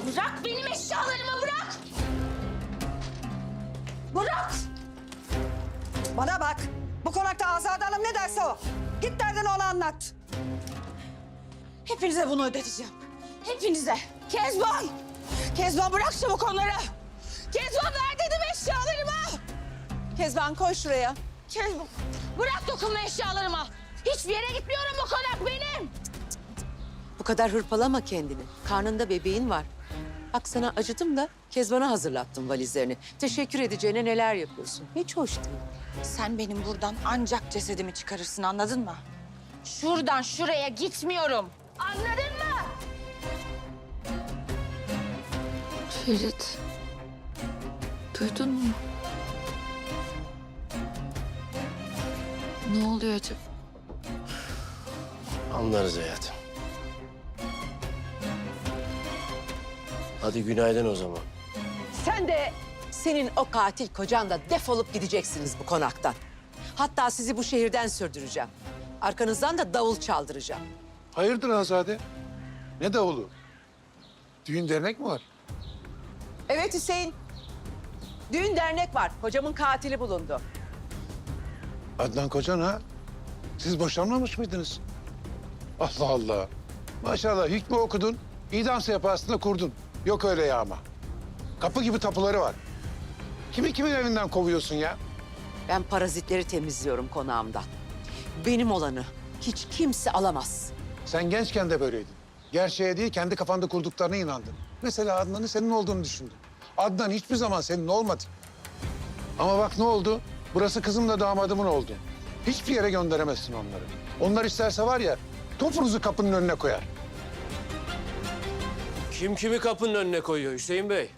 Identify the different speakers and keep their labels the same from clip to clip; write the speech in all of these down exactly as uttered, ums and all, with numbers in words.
Speaker 1: Bırak benim eşyalarımı, bırak! Bırak!
Speaker 2: Bana bak. Bu konakta Azade Hanım ne derse o. Git derdini ona anlat.
Speaker 1: Hepinize bunu ödeteceğim. Hepinize. Kezban! Kezban bırak çabuk onları! Kezban ver dedim eşyalarımı!
Speaker 2: Kezban koy şuraya.
Speaker 1: Kezban bırak dokunma eşyalarıma! Hiçbir yere gitmiyorum, bu konak benim!
Speaker 3: Bu kadar hırpalama kendini. Karnında bebeğin var. Bak sana acıdım da Kezban'a hazırlattım valizlerini. Teşekkür edeceğine neler yapıyorsun. Hiç hoş değil.
Speaker 1: Sen benim buradan ancak cesedimi çıkarırsın, anladın mı? Şuradan şuraya gitmiyorum. Anladın mı?
Speaker 4: Ferit, duydun mu? Ne oluyor acaba?
Speaker 5: Anlarız hayatım. Hadi günaydın o zaman.
Speaker 3: Sen de senin o katil kocan da defolup gideceksiniz bu konaktan. Hatta sizi bu şehirden sürdüreceğim. Arkanızdan da davul çaldıracağım.
Speaker 6: Hayırdır Azade? Ne davulu? Düğün dernek mi var?
Speaker 3: Evet Hüseyin. Düğün dernek var. Kocamın katili bulundu.
Speaker 6: Adnan Kocan ha? Siz boşanmamış mıydınız? Allah Allah. Maşallah hükmü okudun, idam sehpasında kurdun. Yok öyle ya ama. Kapı gibi tapuları var. Kimi kimin evinden kovuyorsun ya?
Speaker 3: Ben parazitleri temizliyorum konağımdan. Benim olanı hiç kimse alamaz.
Speaker 6: Sen gençken de böyleydin. Gerçeğe değil kendi kafanda kurduklarına inandın. Mesela Adnan'ın senin olduğunu düşündün. Adnan hiçbir zaman senin olmadı. Ama bak ne oldu? Burası kızımla damadımın oldu. Hiçbir yere gönderemezsin onları. Onlar isterse var ya topunuzu kapının önüne koyar.
Speaker 5: Kim kimi kapının önüne koyuyor Hüseyin Bey?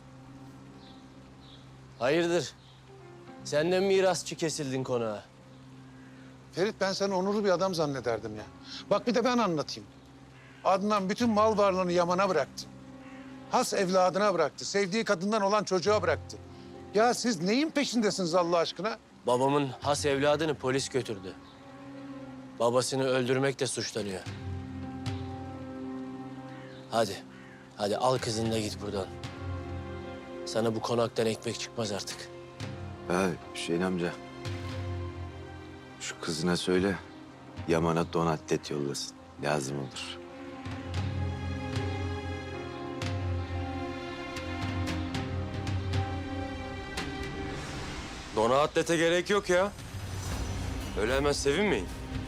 Speaker 5: Hayırdır? Senden mirasçı kesildin konağa.
Speaker 6: Ferit ben seni onurlu bir adam zannederdim ya. Bak bir de ben anlatayım. Adnan bütün mal varlığını Yaman'a bıraktı. Has evladına bıraktı. Sevdiği kadından olan çocuğa bıraktı. Ya siz neyin peşindesiniz Allah aşkına?
Speaker 5: Babamın has evladını polis götürdü. Babasını öldürmekle suçlanıyor. Hadi, hadi al kızını da git buradan. Sana bu konaktan ekmek çıkmaz artık.
Speaker 7: Ya Hüseyin amca. Şu kızına söyle. Yaman'a don atlet yollasın. Lazım olur.
Speaker 8: Dona atlete gerek yok ya. Öyle hemen sevinmeyin.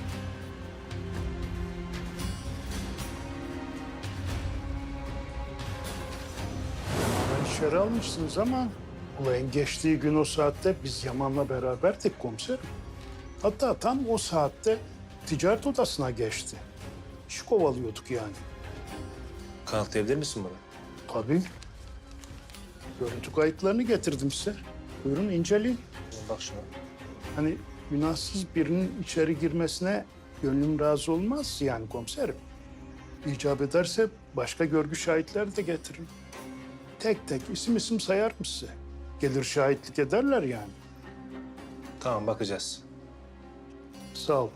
Speaker 9: İçeri almışsınız ama olayın geçtiği gün o saatte biz Yaman'la beraberdik komiserim. Hatta tam o saatte ticaret odasına geçti. İş kovalıyorduk yani.
Speaker 8: Kanıtlayabilir misin bana?
Speaker 9: Tabii. Görüntü kayıtlarını getirdim size. Buyurun inceleyin.
Speaker 8: Bak şuna.
Speaker 9: Hani günahsız birinin içeri girmesine gönlüm razı olmaz yani komiserim. İcap ederse başka görgü şahitleri de getirin. Tek tek isim isim sayar mı size? Gelir şahitlik ederler yani.
Speaker 8: Tamam bakacağız.
Speaker 9: Sağ ol.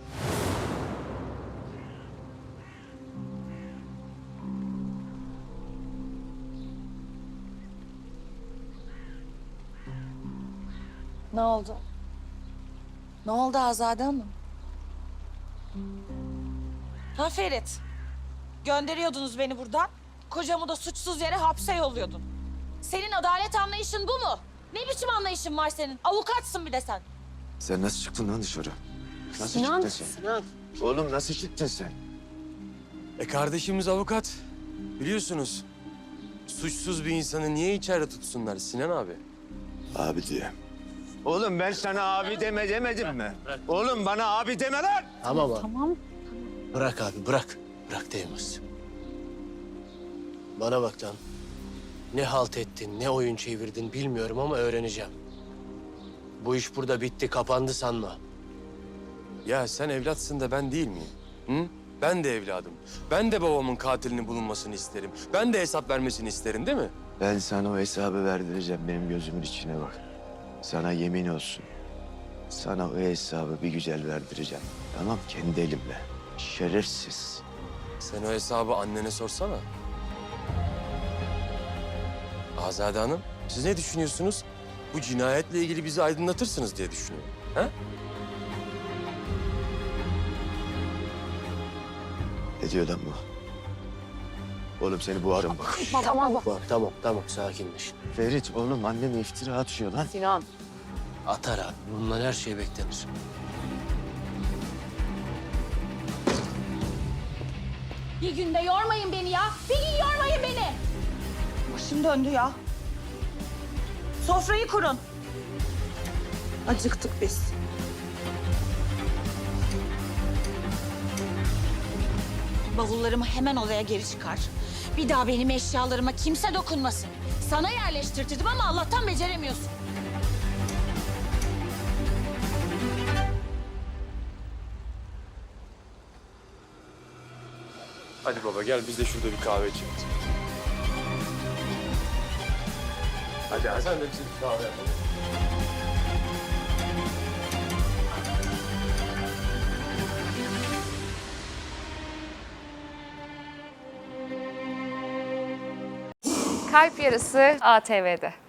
Speaker 1: Ne oldu? Ne oldu Azade Hanım? Ha Ferit? Gönderiyordunuz beni buradan. Kocamı da suçsuz yere hapse yolluyordun. Senin adalet anlayışın bu mu? Ne biçim anlayışın var senin? Avukatsın bir de sen.
Speaker 7: Sen nasıl çıktın lan dışarı? Nasıl
Speaker 1: Sinan,
Speaker 7: çıktın sen?
Speaker 1: Sinan.
Speaker 7: Oğlum nasıl çıktın sen?
Speaker 8: E kardeşimiz avukat. Biliyorsunuz. Suçsuz bir insanı niye içeride tutsunlar Sinan abi?
Speaker 7: Abi diye. Oğlum ben sana abi deme demedim mi? Oğlum bana abi deme lan!
Speaker 5: Tamam abi. Tamam. Bırak abi, bırak. Bırak değmez. Bana bak lan. Ne halt ettin, ne oyun çevirdin bilmiyorum ama öğreneceğim. Bu iş burada bitti, kapandı sanma.
Speaker 8: Ya sen evlatsın da ben değil miyim? Hı? Ben de evladım. Ben de babamın katilinin bulunmasını isterim. Ben de hesap vermesini isterim değil mi?
Speaker 7: Ben sana o hesabı verdireceğim. Benim gözümün içine bak. Sana yemin olsun. Sana o hesabı bir güzel verdireceğim. Tamam kendi elimle. Şerefsiz.
Speaker 8: Sen o hesabı annene sorsana. Azade Hanım, siz ne düşünüyorsunuz? Bu cinayetle ilgili bizi aydınlatırsınız diye düşünüyorum. Ha?
Speaker 7: Ne diyor lan bu? Oğlum seni boğarım bak.
Speaker 5: Tamam tamam tamam sakinleş.
Speaker 7: Ferit oğlum anneme iftira atıyor lan.
Speaker 3: Sinan.
Speaker 5: Atar abi. Bundan her şey beklenir.
Speaker 1: Bir günde yormayın beni ya. Bir gün yormayın beni. Başım döndü ya. Sofrayı kurun. Acıktık biz. Bavullarımı hemen odaya geri çıkar. Bir daha benim eşyalarıma kimse dokunmasın. Sana yerleştirdim ama Allah'tan beceremiyorsun.
Speaker 8: Hadi baba gel biz de şurada bir kahve içelim. Hadi hadi. Sen de bize bir kahve yapalım.
Speaker 10: Kalp Yarısı A T V'de.